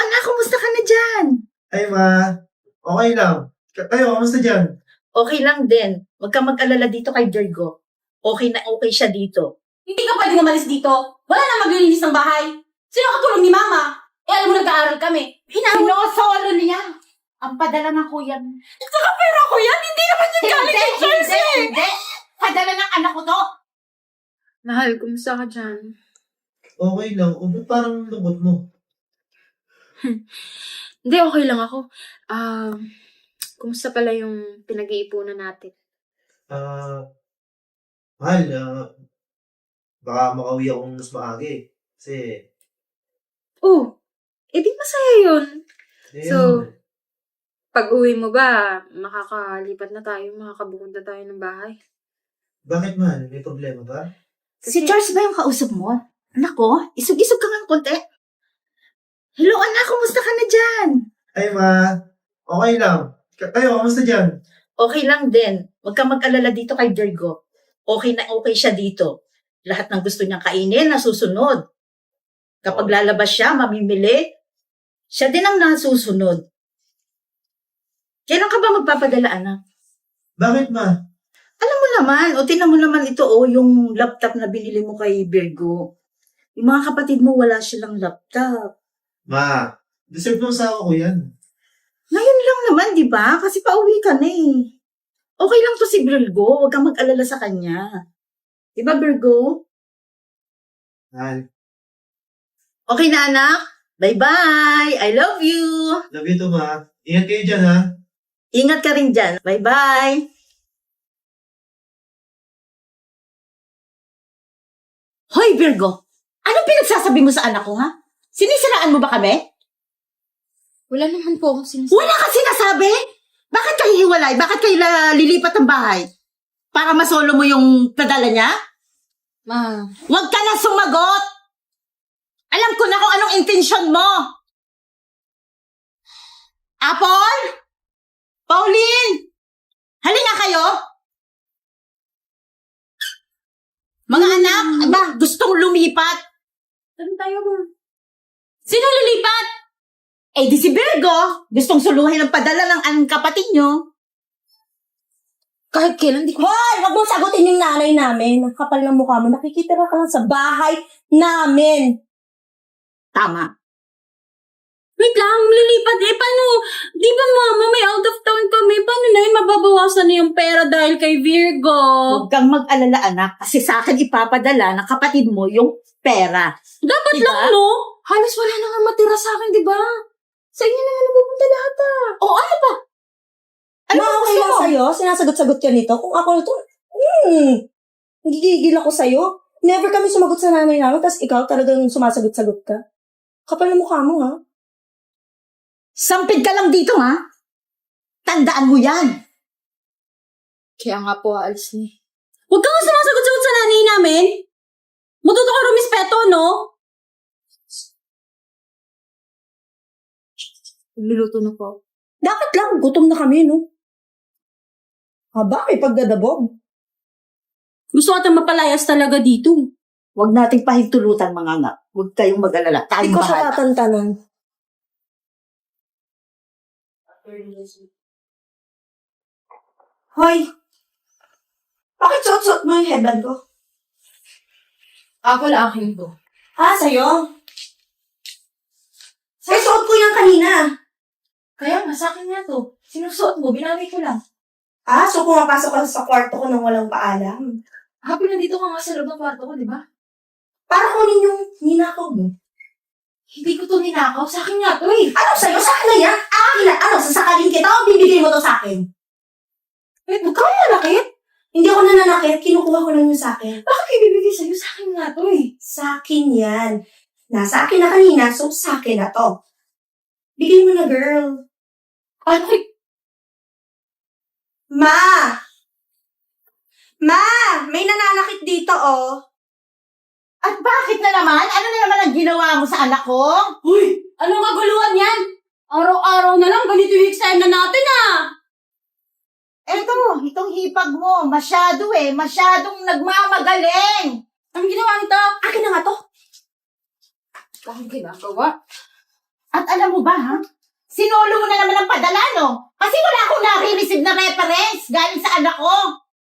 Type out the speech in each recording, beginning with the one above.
anak, kumusta ka na dyan? Ay, ma. Okay lang. Kayo, kamusta dyan? Okay lang din. Huwag kang mag-alala dito kay Virgo. Okay na okay siya dito. Hindi ka pwedeng umalis dito. Wala na maglilinis ng bahay. Sino katulong ni Mama? Alam mo, nag-aaral kami. Sinosolo niya. Ang padala ng kuya mo. Saka pera ko yan. Hindi naman yung galing kay Chelsea. Hindi. Padala ng anak ko to. Mahal, kumusta ka dyan? Okay lang. O, ba't parang lungkot mo? Hindi, okay lang ako. Kumusta pala yung pinag-iipunan natin? Mahal, baka makauwi akong mas maaga eh. Kasi, Oh, edi masaya yun. eh, So, pag-uwi mo ba, makakalipat na tayo, makakabukunta tayo ng bahay? bakit mahal? May problema ba? Si Charles ba yung kausap mo? Anak ko, isog-isog ka ng konti. Hello anak, kumusta ka na dyan? Ay, ma. Okay lang. Kayo, kamusta dyan? Okay lang din. Huwag kang mag-alala dito kay Virgo. Okay na okay siya dito. Lahat ng gusto niyang kainin, nasusunod. Kapag lalabas siya, mamimili, siya din ang nasusunod. Kailan ka ba magpapadala, anak? Bakit, ma? Alam mo naman, o tinan mo naman ito, yung laptop na binili mo kay Virgo. Yung mga kapatid mo, wala silang laptop. Ma, deserve ng asawa ko yan. Ngayon lang naman, di ba? Kasi pauwi ka na eh. Okay lang to si Virgo, huwag kang mag-alala sa kanya. Di ba, Virgo? Mahal, Okay na, anak? Bye-bye! I love you! love you too, ma. Ingat kayo dyan, ha? Ingat ka rin dyan. Bye-bye! Hoy, Virgo! Anong pinagsasabi mo sa anak ko, ha? Sinisiraan mo ba kami? Wala naman po akong sinasabi. Wala ka sinasabi? Bakit kayo hiwalay? Bakit kayo lilipat ng bahay? Para masolo mo yung padala niya? Ma, Huwag ka na sumagot! Alam ko na kung anong intensyon mo! Apple? Pauline? Halina kayo! Mga anak, ba, gustong lumipat? Saan tayo mo? Sino lilipat? Eh di si Virgo, gustong suluhin ang padala ng ang kapatid nyo. kahit kailan di ko... Hoy! Huwag mong sagutin yung nanay namin. Ang kapal ng mukha mo. Nakikita ka lang sa bahay namin. Tama. Wait lang, lilipat eh. Paano? Di ba mama, may out of town kami. Paano na yun? Mababawasan na yung pera dahil kay Virgo. Huwag kang mag-alala anak, kasi sa akin ipapadala ng kapatid mo yung pera. Dapat Diba? lang, no? Halos wala na nga matira sa akin, di ba? Sa inyo na nga napupunta lahat O ano ba? Ano ba okay gusto lang mo? sa'yo? Sinasagot-sagot ka nito? Kung ako nito, gigigil ako sa'yo. Never kami sumagot sa nanay namin, tapos ikaw talagang sumasagot-sagot ka. Kapal na mukha mo, ha? Sampid ka lang dito ha? Tandaan mo yan. Kaya nga po, aalis ni. Huwag ka nga sumasagot-sagot sa nanay namin. Matuto ka rumispeto, no? Luluto na po. Dapat lang, gutom na kami, no? Haba, may pagdadabog. Gusto ka mapalayas talaga dito. Huwag nating pahintulutan mga anak. Huwag kayong mag-alala. Hindi Tayong ko bahala. siya tatantanan. Hoy! Bakit suot-suot mo yung headband ko? Ako lang akin to. Sa'yo? Sa'yo, suot ko yan kanina. Kaya nga, sa akin nga to. Sinusuot mo, binawi ko lang. So pumapasok ka sa kwarto ko nang walang paalam. Happy nandito ka nga sa loob ng kwarto ko, di ba? Para kunin yung ninakaw mo. Hindi ko to ninakaw. Sa akin nga to eh. Ano sa'yo? Sa akin na yan? Akin na. Ano, sasakalin kita o bibigay mo to sa akin? Wait, huwag ka manakit. Hindi ako nananakit. Kinukuha ko lang yun sa akin. Bakit ibibigay sa'yo? Sa akin nga to eh. Sa akin yan. Nasa akin na kanina, so sa akin na to. Bigay mo na, girl. Ano kay... Ma! Ma! May nananakit dito, oh. At bakit na naman? Ano na naman ang ginawa mo sa anak ko? Uy! Anong kaguluhan yan? Araw-araw na lang, ganito yung exam na natin, Itong hipag mo, masyadong nagmamagaling. Anong ginawa nito? Akin na nga to. Bakit ginagawa? At alam Alam mo ba, ha? Sinolo mo na naman ang padala, no? Kasi wala akong nare-receive na reference galing sa anak ko.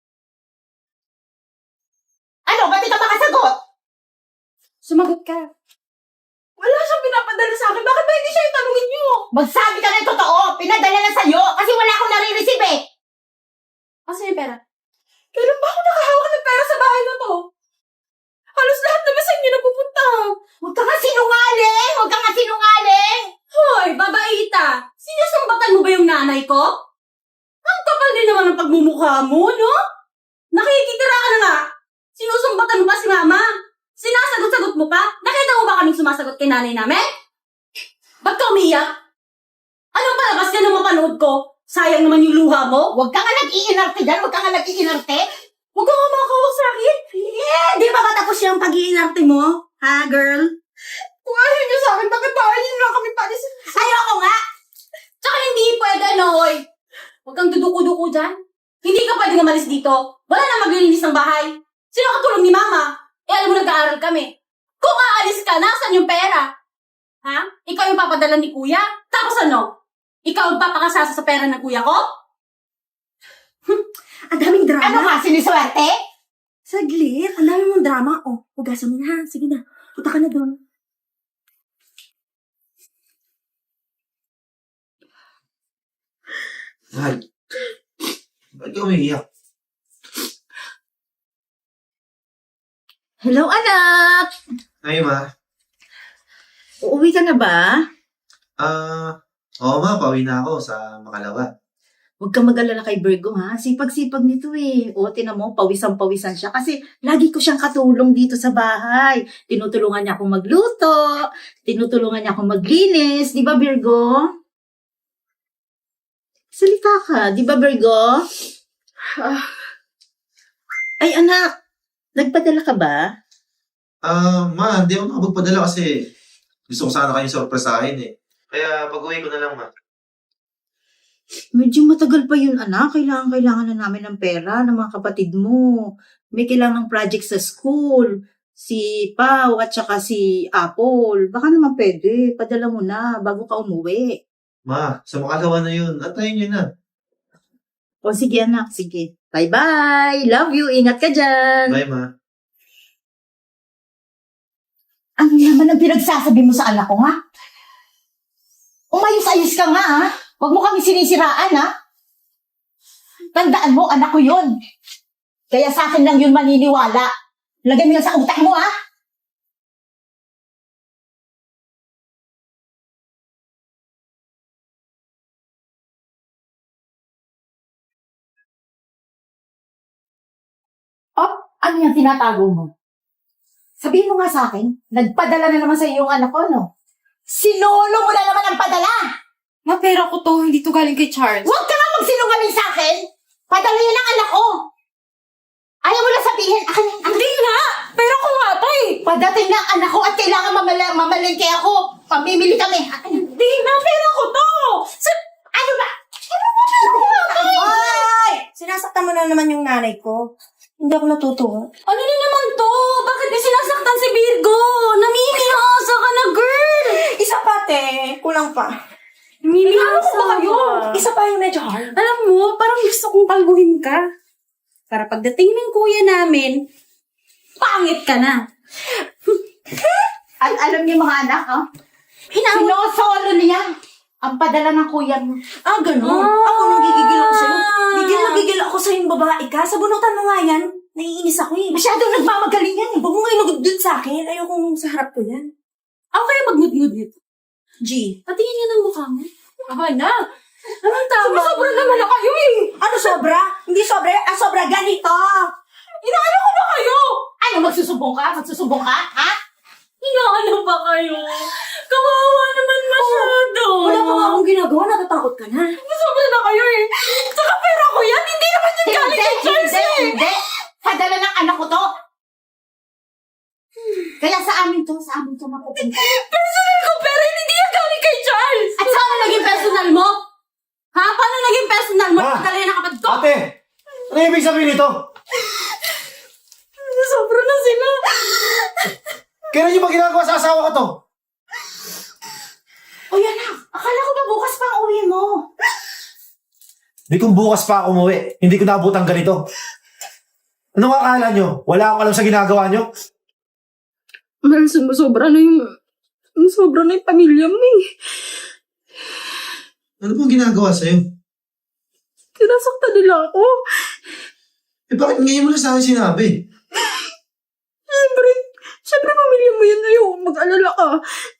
Ano, ba't di ka makasagot? Sumagot ka. Wala siyang pinapadala sa akin. Bakit ba hindi siya itanungin niyo? Magsabi ka ng totoo. Pinadala na sa'yo kasi wala akong nare-receive eh. Asa yung pera? Kailan ba ako nakahawak ng pera sa bahay na to? Halos lahat naman sa inyo napupunta. Huwag ka nga sinungaling! Huwag ka nga sinungaling! Hoy, babaita! Sinusumbatan mo ba yung nanay ko? Ang kapal din naman ng pagmumukha mo, no? Nakikitira ka na nga. Sinusumbatan mo ba si mama? Sinasagot-sagot mo pa? Nakita mo ba kaming sumasagot kay nanay namin? Ba't ka umiyak? Anong palabas ka ng mapanood ko? Sayang naman yung luha mo. Huwag ka nga nag-iinarte dyan! Huwag ka nga nag-iinarte! Huwag ka nga makakawak sa akin. Di ba matapos yung pag-iinarte mo? Ha, girl? Kung ayaw niyo sa akin, bakit ba ayaw niyo na kami palisin? Ayoko nga! Tsaka hindi pwede, Noy. Huwag kang duduko-duko dyan. Hindi ka pwede umalis dito. Wala na maglilinis ng bahay. Sino katulong ni Mama? Eh, alam mo, nag-aaral kami. Kung aalis ka, nasan yung pera? Ha? Ikaw yung papadala ni Kuya? Tapos ano? Ikaw ang papakasasa sa pera ng Kuya ko? Ang daming drama. Ano ka, siniswerte? Saglit. Ang dami mong drama. Oh, hugasan mo na, ha? Sige na. Punta ka na doon. Mahal. Ba't ka umiiyak? Hello, anak! Ay, ma. Uuwi ka na ba? Oo ma, pauwi na ako sa Makalawa. Huwag kang mag-alala kay Virgo, ha? Sipag-sipag nito eh. O, tinan mo, pawisan-pawisan siya. Kasi lagi ko siyang katulong dito sa bahay. Tinutulungan niya akong magluto. Tinutulungan niya akong maglinis. Di ba, Virgo? Salita ka. Di ba, Virgo? Ay, anak. Nagpadala ka ba? Ma, hindi ako nakapagpadala kasi gusto ko sana kayong sorpresahin eh. Kaya pag-uwi ko na lang, ma. Medyo matagal pa yun, anak. Kailangan na namin ng pera ng mga kapatid mo. May kailangan ng project sa school. Si Pau at saka si Apple. Baka naman pwede. Padala mo na bago ka umuwi. Ma, sa Makalawa na yun. Antayin nyo na. O sige, anak. Sige. Bye-bye. Love you. Ingat ka dyan. Bye, ma. Ano naman ang pinagsasabi mo sa anak ko, ha? Umayos-ayos ka nga, ha? Huwag mo kami sinisiraan, ha? Tandaan mo, anak ko yun. Kaya sa akin lang yun maniniwala. Lagay mo yan sa utak mo, ha? Oh, ano yung tinatago mo? Sabihin mo nga sa akin, nagpadala na naman sa iyo yung anak ko, no? Sinolo mo na naman ang padala! Ma, pera ko to. Hindi to galing kay Charles. Huwag ka nga magsinungaling sa akin! Padala yan ang anak ko! Ayaw mo na sabihin, akin ang anak. Hindi nga! Pera ko nga to eh! Padating na ang anak ko at kailangan mamalengke ako. Pamimili kami. Hindi na! Pera ko to! Ano ba? Ay! Sinasaktan mo na naman yung nanay ko. Hindi ako natutuwa. Ano na naman to? Bakit may sinasaktan si Virgo? Namimihasa ka na, girl! Isa pa, te. Kulang pa. Namimihasa ba kayo? Isa pa yung medyo hard. Alam mo, parang gusto kong kalbuhin ka. Para pagdating ng kuya namin, pangit ka na. Alam niyo mga anak, oh? Sinosolo niya ang padala ng kuya mo. Ah, ganun. Ah. Ako nang gigigil ako sa'yo. Gigil na gigil ako sa'yo yung babae ka. Sa bunutan mo nga yan. Naiinis ako eh. Masyadong nagmamagaling yan, eh. Huwag mo ngayon nagudud sa akin. Ayokong sa harap ko yan. Ako kaya magngud-ngud nito. G. Patingin niya ng mukha mo. Aha na. Anong tama? Sobra naman na kayo eh. Ano sobra? Hindi sobra. Ang sobra ganito. Inaano ko ba kayo? Ano, magsusumbong ka? Magsusumbong ka? Ha? Inaano ba kayo? Kawawa naman masyado. Wala pa nga akong ginagawa. Natatakot ka na. Sobra na kayo eh. Saka pera ko yan. Hindi naman yan galing kay Charles eh. Hindi. Padala ng anak ko to. Kaya sa amin to mapupunta. Personal ko pero hindi yan galing kay Charles. At saan na naging personal mo? Ha? Paano naging personal mo? Ma! Dali na kapatid ko. Ate! Ano ibig sabihin nito? Sobra na sila. Kailan niyo ba ginagawa sa asawa ko to? O yan na. Di kung bukas pa ako umuwi, hindi ko naabutang ganito. Anong akala nyo? Wala akong alam sa ginagawa nyo? Mahal, sumusobra na yung pamilya mo eh. Ano bang ginagawa sa'yo? Sinasaktan nila ako. Eh, bakit ngayon mo na sa akin sinabi? Siyempre pamilya mo yun, ayaw mag-alala ka.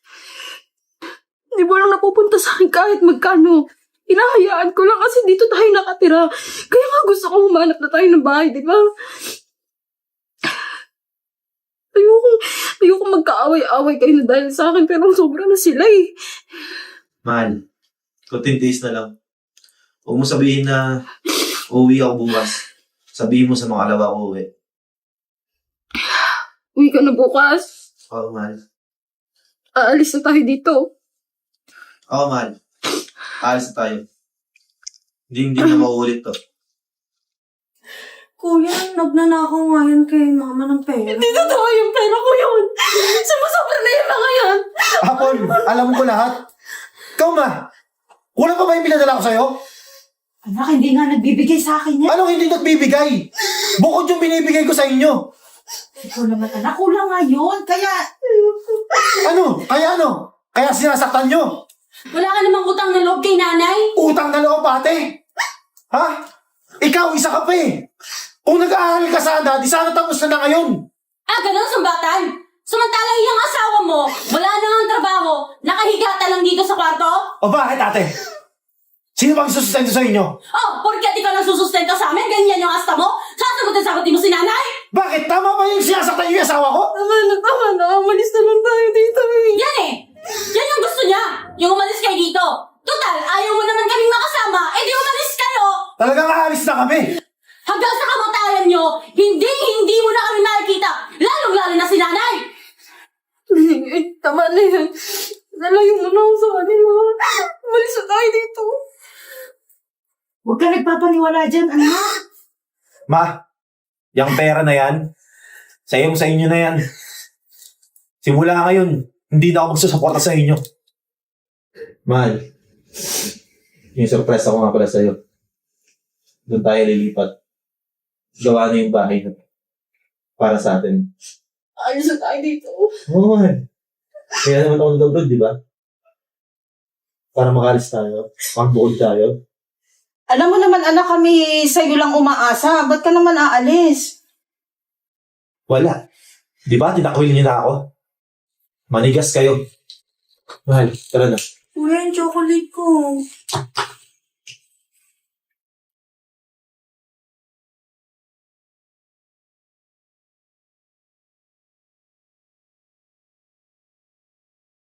Di ba lang napupunta sa akin kahit magkano. Hinahayaan ko lang kasi dito tayo nakatira. Kaya nga gusto ko humanap na tayo ng bahay, di ba? Ayoko magkaaway-away kayo na dahil sa akin pero sobra na sila eh. Mahal, kunting days na lang. Huwag mo sabihin na uuwi ako bukas. Sabihin mo sa mga alawa ko uuwi. Uwi ka na bukas. Oo, mahal. Aalis na tayo dito. Oo, mahal. Alis na tayo. Hindi na mauulit to. Kuya, nagnanakaw nga yan kay mama ng pera. Hindi totoo yung pera ko yun. Sumusobra na yung mga yan. Apol, alam ko lahat. Ikaw ma, wala pa ba yung pinadala ko sa'yo? Anak, hindi nga nagbibigay sa akin yan. Anong hindi nagbibigay? Bukod yung binibigay ko sa inyo. Ikaw naman, anak, kulang nga yun. Kaya, Ano? Kaya sinasaktan nyo? Wala ka namang utang na loob kay nanay. Utang na loob, ate. Ha? Ikaw, isa ka pa eh. Kung nag-aaral ka sana, di sana tapos na ngayon. Ah, ganun, sumbatan. Samantala yung asawa mo, wala na nga ang trabaho, nakahigata lang dito sa kwarto. O bakit, ate? Sino bang susustento sa inyo? Oh, porket ikaw lang susustento sa amin, ganyan yung asta mo? Sasagutin mo si nanay? Bakit? Tama ba yung sinasaktan yung asawa ko? Tama na. Umalis na lang tayo dito eh. Yan eh! Yan yung gusto niya! Yung umalis kayo dito! Total, ayaw mo naman kaming makasama, di umalis kayo! Talagang aalis na kami. Hanggang sa kamatayan nyo, hindi mo na kami makikita, lalong-lalo na si nanay! Tama na yan. Nalayo mo na ako sa kanila. Umalis na tayo dito. huwag ka nagpapaniwala dyan, anak. Ma, yung pera na yan, sa inyo na yan. Simula ngayon, hindi na ako magsusuporta sa inyo. Mahal, yung surprise ako nga pala sa'yo. Doon tayo lilipat. Gawa na yung bahay na para sa atin. Alis na tayo dito. Oo, mahal. Kaya naman ako nag-abroad, di ba? Para makalis tayo. Pag-bukod tayo. Alam mo naman, anak, kami sa'yo lang umaasa. Ba't ka naman aalis? Wala. Di ba, tinakwil niyo na ako? Manigas kayo. Mahal, tara na. Kuya, yung chocolate ko.